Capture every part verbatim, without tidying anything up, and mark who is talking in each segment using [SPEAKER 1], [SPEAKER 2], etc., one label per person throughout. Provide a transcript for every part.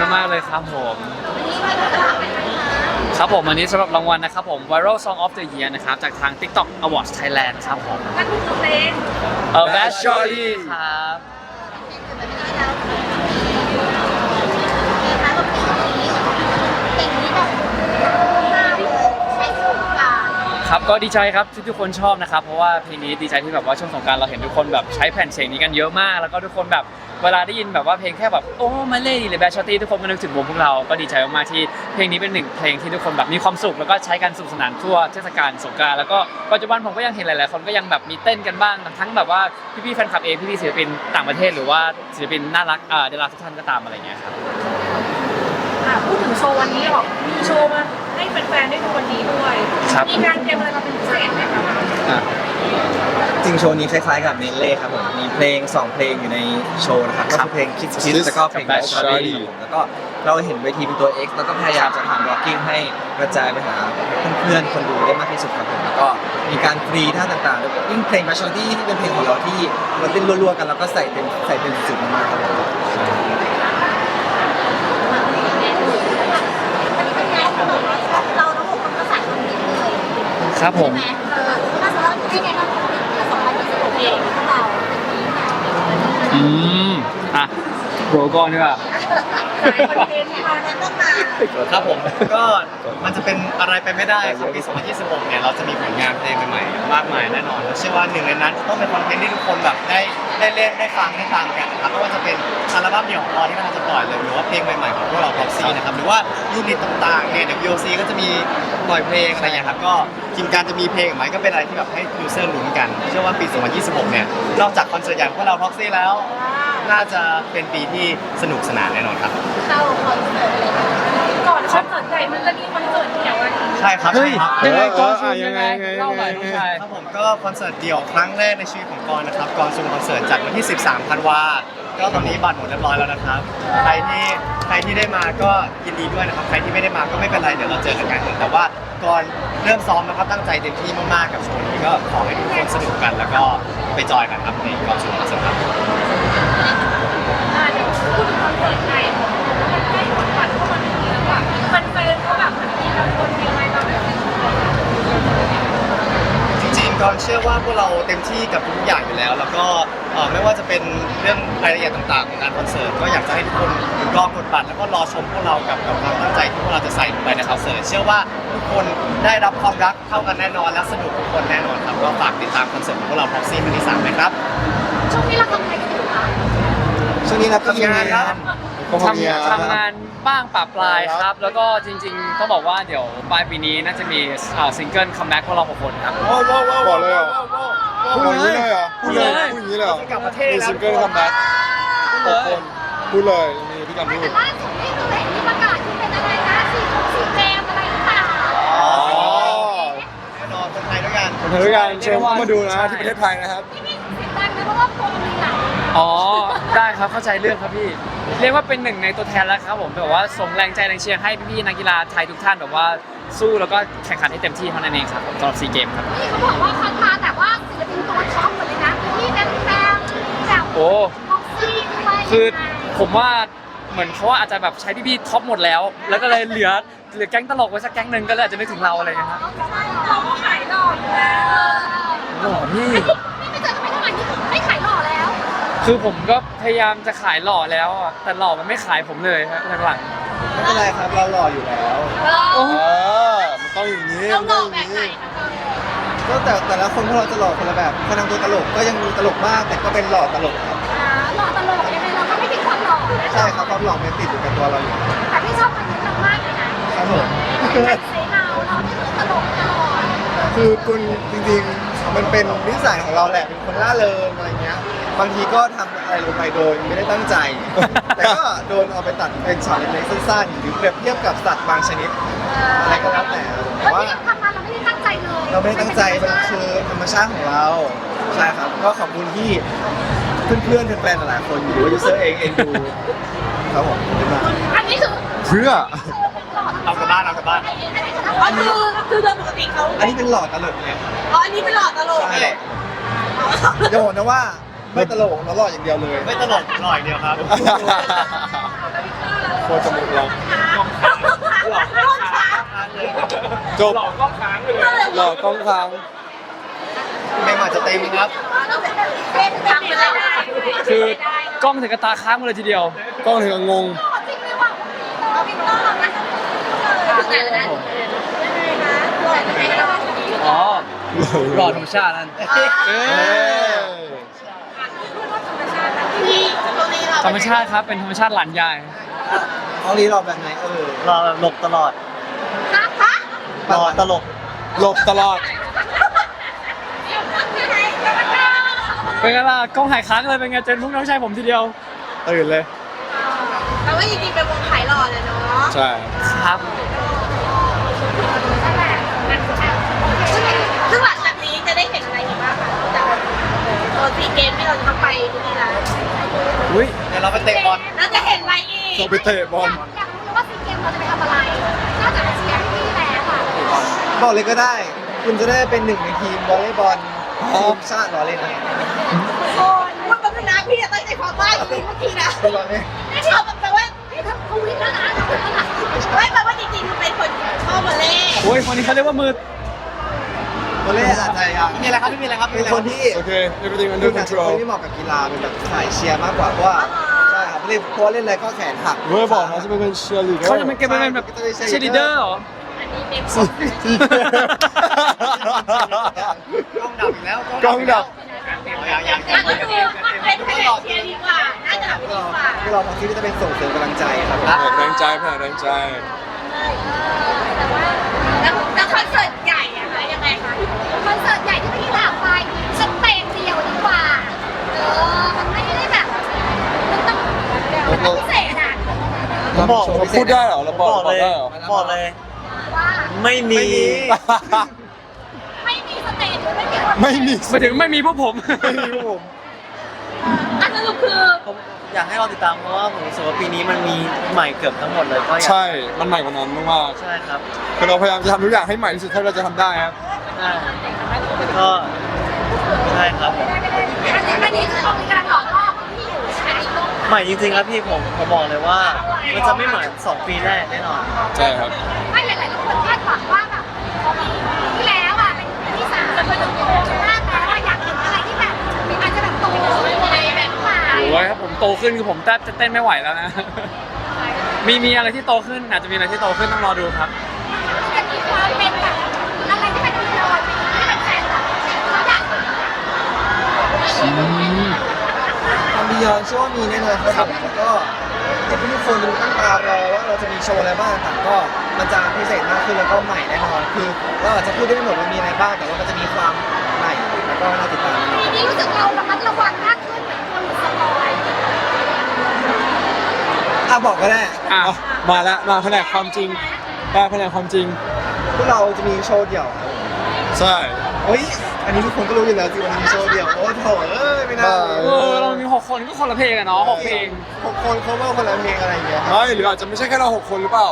[SPEAKER 1] มากเลยครับผมครับผมอันนี้สำหรับรางวัลนะครับผม Viral Song of the Year นะครับจากทาง TikTok Awards Thailand ครับผม
[SPEAKER 2] นั่นคือเพลง
[SPEAKER 1] เออ Bad Shorty ครับครับก็ดีใจครับที่ทุกคนชอบนะครับเพราะว่าเพลงนี้ดีใจที่แบบว่าช่วงสงกรานต์เราเห็นทุกคนแบบใช้แผ่นเสียงนี้กันเยอะมากแล้วก็ทุกคนแบบเวลาได้ยินแบบว่าเพลงแค่แบบโอ้มาเล่หรือแบชชอตตี้ทุกคนก็นึกถึงวงพวกเราก็ดีใจมากๆที่เพลงนี้เป็นหนึ่งเพลงที่ทุกคนแบบมีความสุขแล้วก็ใช้กันสนุกสนานทั่วเทศกาลสงกรานต์แล้วก็ปัจจุบันผมก็ยังเห็นหลายๆคนก็ยังแบบมีเต้นกันบ้างทั้งแบบว่าพี่ๆแฟนคลับเองพี่ๆศิลปินต่างประเทศหรือว่าศิลปินน่ารักอ่าดาราทุกท่านก็ตามอะไรเงี้ยครับ
[SPEAKER 2] พูดถึงโชว์วันนี้หรอมีโชว์มาให้แฟนๆได้ดูวันนี้ด้วยมีการเตรียมอะไรมาเป็นพิเศษไหมครับ
[SPEAKER 3] จริงโชว์นี้คล้ายๆกับเนเล่ครับผมมีเพลงสองเพลงอยู่ในโชว์นะครับก็คือเพลง Kiss Kiss แล้วก็เพลง Bad Shorty แล้วก็เราเห็นเวทีเป็นตัว X แล้วก็พยายามจะทำ blocking ให้กระจายไปหาเพื่อนๆคนดูได้มากที่สุดครับผมแล้วก็มีการฟรีท่าต่างๆยิ่งเพลง Bad Shorty ที่เป็นเพลงของเราที่เราเต้นรัวๆกันแล้วก็ใส่เป็นใส่เป็นสุดมากครับผม
[SPEAKER 1] ครับผมอืมอ่ะโบรก่อนดีกว่า
[SPEAKER 4] ครับผมก็มันจะเป็นอะไรไปไม่ได้ครับปีสองพันยี่สิบหกเนี่ยเราจะมีผลงานเพลงใหม่ๆมากมายแน่นอนเชื่อว่าหนึ่งในนั้นต้องเป็นคอนเทนต์ที่ทุกคนแบบได้ได้เล่นได้ฟังได้ตามกันนะครับไม่ว่าจะเป็นอัลบั้มเดี่ยวของเราที่กำลังจะปล่อยเลยหรือว่าเพลงใหม่ๆของพวกเรา Proxy นะครับหรือว่ายูนิตต่างๆเนี่ยเดี๋ยว วี โอ ซี ก็จะมีปล่อยเพลงอะไรอย่างเงี้ยครับก็ทีมการจะมีเพลงไหมก็เป็นอะไรที่แบบให้ยูเซอร์ลุ้นกันเชื่อว่าปีสองพันยี่สิบหกเนี่ยนอกจากคอนเสิร์ตใหญ่ของพวกเรา Proxy แล้วน่าจะเป็นปีที่สนุกสนานแน่นอนครับ
[SPEAKER 2] เข้าคอนเสิร์ตเลยก่อนคอนเสิร์ตใหญ่มันจะมีคอนเสิร์ตเดี่ยวอะไร
[SPEAKER 4] ใช่ครับ
[SPEAKER 1] เฮ้ยยังไงก่อนซู
[SPEAKER 5] ยั
[SPEAKER 1] ยังไงเล่าหน่อยน้องชาย
[SPEAKER 4] ครับผมก็คอนเสิร์ตเดี่ยวครั้งแรกในชีวิตของกรนะครับกรซูมคอนเสิร์ตจัดวันที่สิบสามธันวาก็ตอนนี้บัตรหมดเรียบร้อยแล้วนะครับใครที่ใครที่ได้มาก็ยินดีด้วยนะครับใครที่ไม่ได้มาก็ไม่เป็นไรเดี๋ยวเราเจอกันกันแต่ว่าก่อนเริ่มซ้อมนะครับตั้งใจเต็มที่มากๆกับโชว์นี้ก็ขอให้ทุกคนสนุกกันแล้วก็ไปจอยกันครับในกรซูมคอนเสิร์ตครับ
[SPEAKER 2] เดี๋ยวพูดถึงคอนเสิร์ตใหญ่มันใกล้วันบัตรเข้ามาในนี้แล้วอ่ะแฟนๆเขาแบบมีบางคนมีอะไรบ้าง
[SPEAKER 4] จริงๆก่อนเชื่อว่าพวกเราเต็มที่กับทุกอย่างอยู่แล้วแล้วก็ไม่ว่าจะเป็นเรื่องรายละเอียดต่างๆของงานคอนเสิร์ตก็อยากจะให้ทุกคนรอกดบัตรแล้วก็รอชมพวกเรากับกับความตั้งใจที่พวกเราจะใส่ลงไปในคอนเสิร์ตเชื่อว่าทุกคนได้รับความรักเท่ากันแน่นอนและสนุกทุกคนแน่นอนครับก็ฝากติดตามคอนเสิร์ตของพวกเรา Proxy ครั้งที่สามนะครับ
[SPEAKER 2] ช่วงนี้เราทำอะไรกันอยู่คะ
[SPEAKER 3] ช่วงนี้เราทำงานครับ
[SPEAKER 1] ทำทำงานบ้างปะปลายครับแล้วก็จริงๆต้องบอกว่าเดี๋ยวปลายปีนี้น่าจะมีซิงเกิลคัมแบ็กพวกเราหกคนครับ
[SPEAKER 5] ว้าวว้าวว้าวบอกเลยเหรอพูดอย่างนี้เลยเหรอพูดเลยพูดอย่างนี้เลยเหรอมีซิงเกิลคัมแบ็กหกคนพูดเลยมีพี่กันพูด
[SPEAKER 2] แต่ล่าสุดนี่คือเห็นมีประกาศที่เป็นอะไรนะสีสีแดงอะไรหรือเปล่า
[SPEAKER 4] อ๋อแน่นอนคนไทยด้วยกัน
[SPEAKER 5] คนไทยด้วยกันเชิญเข้ามาดูนะที่ประเทศไทยนะครับ
[SPEAKER 2] ที่นี่เสียงดังนะเพราะว่าโพลมีหลาย
[SPEAKER 1] อ๋อได้ครับเข้าใจเรื่องครับพี่เรียกว่าเป็นหนึ่งในตัวแทนแล้วครับผมแบบว่าส่งแรงใจแรงเชียร์ให้พี่ๆนักกีฬาไทยทุกท่านแบบว่าสู้แล้วก็แข่งขันให้เต็มที่เท่านั้นเองครับสำหรับซีเกมครับ
[SPEAKER 2] นี่เขาบอกว่าคันพาแต่ว่าศิลปินตัวท็อปหมดเลยนะพี่แบงค์แบงค์แบบ
[SPEAKER 1] โอ้
[SPEAKER 2] บ็อกซี่ไป
[SPEAKER 1] คือผมว่าเหมือนเขาว่าอาจจะแบบใช้พี่ๆท็อปหมดแล้วแล้วก็เลยเหลือเหลือแก๊งตลกไว้สักแก๊งหนึ่งก็เลยอาจจะนึกถึงเราอะไรอย่างเงี้ยครับ
[SPEAKER 2] เราก็ขายหล่อแล้ว
[SPEAKER 1] หล่อพี่
[SPEAKER 2] นี่ไม่เจอกันไปเท่าไหร่นี่ไม่ขายหล่อแล้ว
[SPEAKER 1] คือผมก็พยายามจะขายหล่อแล้วแต่หล่อมันไม่ขายผมเลยครับหลัง
[SPEAKER 3] ๆไม่เป็นไรครับเราหล่ออยู่แล้ว
[SPEAKER 5] เออมันต้องอย่างนี้
[SPEAKER 2] เราหล่อแบบไหน
[SPEAKER 3] ก็แต่แต่ละคนพวกเราจะหล่อคนละแบบพนังตัวตลกก็ยังมีตลกมากแต่ก็เป็นหล่อตลกครับ
[SPEAKER 2] หล่อตลกยังไงเราก็ไม่ทิ้งความหล่อ
[SPEAKER 3] ใช่ครับความหล่อมันติดอยู่กับตัวเราอยู่
[SPEAKER 2] แต่พี่ชอบคนนี้มากเลยนะครับ
[SPEAKER 3] ผม
[SPEAKER 2] เซ็งเราเราไม่ตลกตลอด
[SPEAKER 3] คือคุณจริงๆมันเป็นนิสัยของเราแหละเป็นคนล่าเริงอะไรเงี้ยบางทีก็ทำอะไรลงไปโดยไม่ได้ตั้งใจแต่ก็โดนเอาไปตัดเป็นช็อตเล็กๆสั้นๆหรือเปรียบเทียบกับสัตว์บางชนิดอะไรก็แล้วแต่แต่ว่า
[SPEAKER 2] ทำมาเราไม่ได้ตั้งใจเลย
[SPEAKER 3] เราไม่ได้ตั้งใจมันคือธรรมชาติของเราใช่ครับก็ขอบคุณที่เพื่อนๆแฟนๆหลายคนหรือว่ายูเซอร์เองเองดูครับผม
[SPEAKER 2] อันนี้คือ
[SPEAKER 5] เพื่อ
[SPEAKER 4] เอากลับบ้านเอากลับบ้าน
[SPEAKER 2] อันนี้คือโดยปกติเขา
[SPEAKER 3] อันนี้เป็นหลอดตลกไง
[SPEAKER 2] อ๋ออันนี้เป็นหลอดตลก
[SPEAKER 3] ใช่จะบอกนะว่าไม่ตลกเราหลอดอย่างเดียวเลย
[SPEAKER 4] ไม่ตลกหล่ออย่างเดียวครับ
[SPEAKER 5] โคตรจะมุกเราจบหลอกกล้องค้างเลยหลอกกล้องค้าง
[SPEAKER 4] เพลงอาจจะเต็มครับ
[SPEAKER 2] ทำไปเลย
[SPEAKER 1] คือกล้องถึงกระตาค้างมาเลยทีเดียว
[SPEAKER 5] กล้องถึงกับงง
[SPEAKER 2] จริงไม่หวังเราพี่น้องนะถึงไหนแล้วนะ
[SPEAKER 1] อ๋อ
[SPEAKER 3] รอธรรมชาตินั่น
[SPEAKER 5] เอ้ย
[SPEAKER 2] ที่ตรงนี้เรา
[SPEAKER 1] ธรรมชาติครับเป็นธรรมชาติหลานยาย
[SPEAKER 3] น้องลีรอแบบไหนเออ
[SPEAKER 4] รอหลบตลอด
[SPEAKER 2] ฮะฮะ
[SPEAKER 4] รอตลก
[SPEAKER 5] หลบตลอด
[SPEAKER 1] เป็นไงล่ะกล้องหายค้างเลยเป็นไงเจนพวกน้องชายผมทีเดียว
[SPEAKER 5] ตื่นเลย
[SPEAKER 2] แต่ว่าจริงๆเป็นวงขายหล่อเลยเนาะ
[SPEAKER 5] ใช่
[SPEAKER 1] ครับ
[SPEAKER 2] ซึ่งหลังจากนี้จะได้เห็นอะไรอีกบ้างคะจากตัวซีเกมที่เราจะต้องไปที่นี่แล้ว
[SPEAKER 1] อุ้ย
[SPEAKER 4] เดี๋ยวเราไปเตะบอล
[SPEAKER 2] แล้วจะเห็นอะไรอีก
[SPEAKER 5] เราไปเตะบอล
[SPEAKER 2] อยากรู้ว่าซีเกมเราจะไปทำอะไรนอกจากเชียร์ที่นี่แล้วอ่ะ
[SPEAKER 3] บอกเลยก็ได้ คุณจะได้เป็นหนึ่งในทีมวอลเลย์บอลทีมชาติล้อเล่นนะ
[SPEAKER 2] โอ้ยว่าเป็นนะพี่จะตั้งใจความว่าจริงเมื่อกี้นะ
[SPEAKER 3] ล้อเล่น
[SPEAKER 2] ไม่ชอบแปลว่าพี่ทำเขาวิ่งแล้วนะไม่แปลว่าจริงๆเป็นคนชอบวอลเลย์
[SPEAKER 1] โอ้ยคนนี้เขาเรียกว่ามือ
[SPEAKER 3] วอลเลย์อาจจะยัง
[SPEAKER 4] ไม่มีอะไรครับไม่มีอะไรครับ
[SPEAKER 3] เป็นคนที่
[SPEAKER 5] โอเค everything
[SPEAKER 3] คุ
[SPEAKER 5] under
[SPEAKER 3] ณอาจจะเป็น
[SPEAKER 5] control
[SPEAKER 3] คนที่เหมาะกับกีฬาเป็นแบบสายเชียร์มากกว่าเพราะว่าใช่ครับเล่นเพราะว่าเล่นอะไรก็แขนหัก
[SPEAKER 5] เว้ยบอกนะจะไปเป็นเชียร์ลีดเดอร์
[SPEAKER 1] เขาจะเป็นเกมเป็นแบบเชลิเดอร์เหรอ
[SPEAKER 2] อันนี้เต็ม
[SPEAKER 4] กล้องดับอีกแล้ว
[SPEAKER 5] กล้องดับ
[SPEAKER 4] อย่างอย่าง
[SPEAKER 2] อ่ะก็คือเป็นแผนกเชียร์ดีกว่าน่าจะแบบดีกว่า
[SPEAKER 3] ที่เราทำที่จะเป็นส่งเสริมกำลังใจครับ
[SPEAKER 5] แผ่แรงใจแผ่แรงใจ
[SPEAKER 2] แต่ว่าแล้วแล้วคอนเสิร์ตใหญ่อะคะยังไงคะคอนเสิร์ตใหญ่ที่พี่ถามไปสเตจเดียวดีกว่าเออมันไม่ได้แบบมันต้องมันต้องพิเศษอะ
[SPEAKER 3] เราบอก
[SPEAKER 5] เราพูดได้เหรอเราบอกบอกได้เหรอ
[SPEAKER 4] บอกเลย
[SPEAKER 2] ว่า
[SPEAKER 4] ไม่มี
[SPEAKER 2] ไม่มีสเตจหรือไม่มีคน
[SPEAKER 5] ไม่มี
[SPEAKER 1] หมายถึงไม่มีพวกผม
[SPEAKER 5] ไม่มีผม
[SPEAKER 2] อ่ะสรุปคือ
[SPEAKER 4] ผมอยากให้เราติดตามเพราะว่าผมรู้สึกว่าปีนี้มันมีใหม่เกือบทั้งหมดเลยก็อยาก
[SPEAKER 5] ใช่ มันใหม่กว่านั้นมาก
[SPEAKER 4] ใช่ครับ
[SPEAKER 5] ๆคือเราพยายามจะทำทุกอย่างให้ใหม่ที่สุดเท่าที่เราจะทำได้ครับ
[SPEAKER 4] ใช่ก็ใช่ครับผม
[SPEAKER 2] อันนี้คือมีการหลอกล่อที่อยู่ใช่ไหม
[SPEAKER 4] ใหม่จริงๆครับพี่ผมผมบอกเลยว่ามันจะไม่เหมือนสองปีแรกแน่นอน
[SPEAKER 5] ใช่ครับ
[SPEAKER 2] ไม่หลายๆคนคาดหวังว่าแบบที่แล้วอ่ะเป็นที่สามเป็นโตมากแล้วอยากเห็นอะไรที่แบบอาจจะแบบโตอะไรแบบใหม่
[SPEAKER 1] โอ้ยครับผมโตขึ้นคือผมแทบจะเต้นไม่ไหวแล้วนะ มีมีอะไรที่โตขึ้นอาจจะมีอะไรที่โตขึ้นต้องรอดูครับ
[SPEAKER 2] จะมีความเป็นแบบอะไรที่เป็นละครที่เป็นแฟนแบบเขาอยาก
[SPEAKER 3] ความบียอนเชื่อว่ามีแน่นอนครับผมแล้วก็เดี๋ยวทุกคนตั้งตารอว่าเราจะมีโชว์อะไรบ้างต่างๆก็มันจะพิเศษมากขึ้นแล้วก็ใหม่แน่นอนคือเราอาจจะพูดได้ไม่หมดว่ามีอะไรบ้างแต่ว่ามันจะมีความใหม่แล้วก็น่าติดตามแน่นอน
[SPEAKER 2] ปีนี้รู้สึกเราระมัดระวังมากขึ้นเหมือนคนสปอย
[SPEAKER 3] อ่ะบอกก็ได้
[SPEAKER 1] อ่ะ
[SPEAKER 5] อ่ะมาแล้วมาแผนกความจริงมาแผนกความจริง
[SPEAKER 3] พวกเราจะมีโชว์เดี่ยวครับ
[SPEAKER 5] ใช่
[SPEAKER 3] เฮ้ยอันนี้ทุกคนก็รู้อยู่แล้วสิวันนี้มีโชว์เดี่ยวโอ้โถเอ้ยไม่น่า
[SPEAKER 1] เออเรามีหกคนก็คนละเพลงอะเนาะหกเพลง
[SPEAKER 3] หกคนเขาเวอร์คนละเพลงอะไรอย่างเงี้ยครับ
[SPEAKER 5] ไม่หรืออาจจะไม่ใช่แค่เราหกคนหรือเปล่า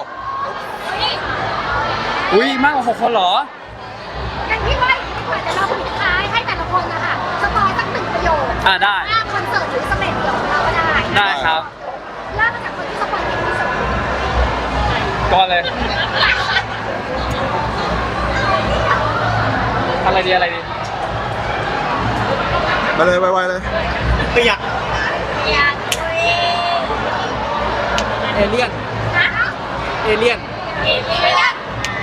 [SPEAKER 1] อุ้ยมากกว่าหกคนเหรอ
[SPEAKER 2] อย่างที่ว่าดีกว่าแต่เราปิดท้ายให้แต่ละคนนะคะสปอยสักหนึ่งประโยค
[SPEAKER 1] อ่ะได้
[SPEAKER 2] ว่าคอนเสิร์ตหรือสเตจเดี่ยวของเราก็ได้
[SPEAKER 1] ได้ครับ
[SPEAKER 2] เริ่มมาจากคนที่สปอยเก่งที่สุด
[SPEAKER 1] ก่อนเลย อะไรดีอะไรดี
[SPEAKER 5] มาเลยไวๆเลย
[SPEAKER 4] เปียก
[SPEAKER 2] อยากคุย
[SPEAKER 3] เอเลี่ยน
[SPEAKER 2] นะ
[SPEAKER 3] เอเลี่ยน
[SPEAKER 2] เอเลี่ยน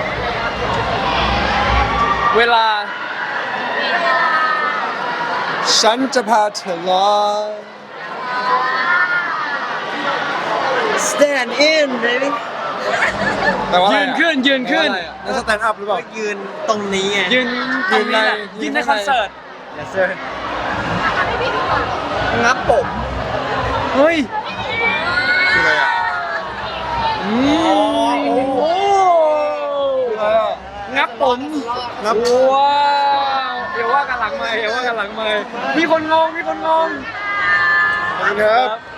[SPEAKER 1] เวลา
[SPEAKER 5] ฉันจะพาเธอลอย
[SPEAKER 4] stand in baby
[SPEAKER 5] แต่ว่าอะไร
[SPEAKER 1] ยืน
[SPEAKER 5] อะ
[SPEAKER 1] ขึ้นยืนขึ้น
[SPEAKER 5] นั่นสแตนด์อัพหรือเปล่า
[SPEAKER 4] ก็ยืนตรงนี้ไง
[SPEAKER 1] ยืนตรงนี้แหละ
[SPEAKER 5] ยื
[SPEAKER 1] ยื
[SPEAKER 5] น
[SPEAKER 1] น
[SPEAKER 5] ใน
[SPEAKER 1] ในคอนเสิร์ต
[SPEAKER 4] yes sir
[SPEAKER 2] ทำให้พี่ดูก่อน
[SPEAKER 3] งับผม
[SPEAKER 1] เฮ้ย
[SPEAKER 5] คืออะไรอ่ะ
[SPEAKER 1] อืมโอ้โห
[SPEAKER 5] คืออะไรอ่ะ
[SPEAKER 1] งับผม
[SPEAKER 5] งับ
[SPEAKER 1] ว้าวเดี๋ยวว่ากันหลังไม่เดี๋ยวว่ากันหลังไม่มีคนงงมีคนงง
[SPEAKER 5] ขอบคุณครับ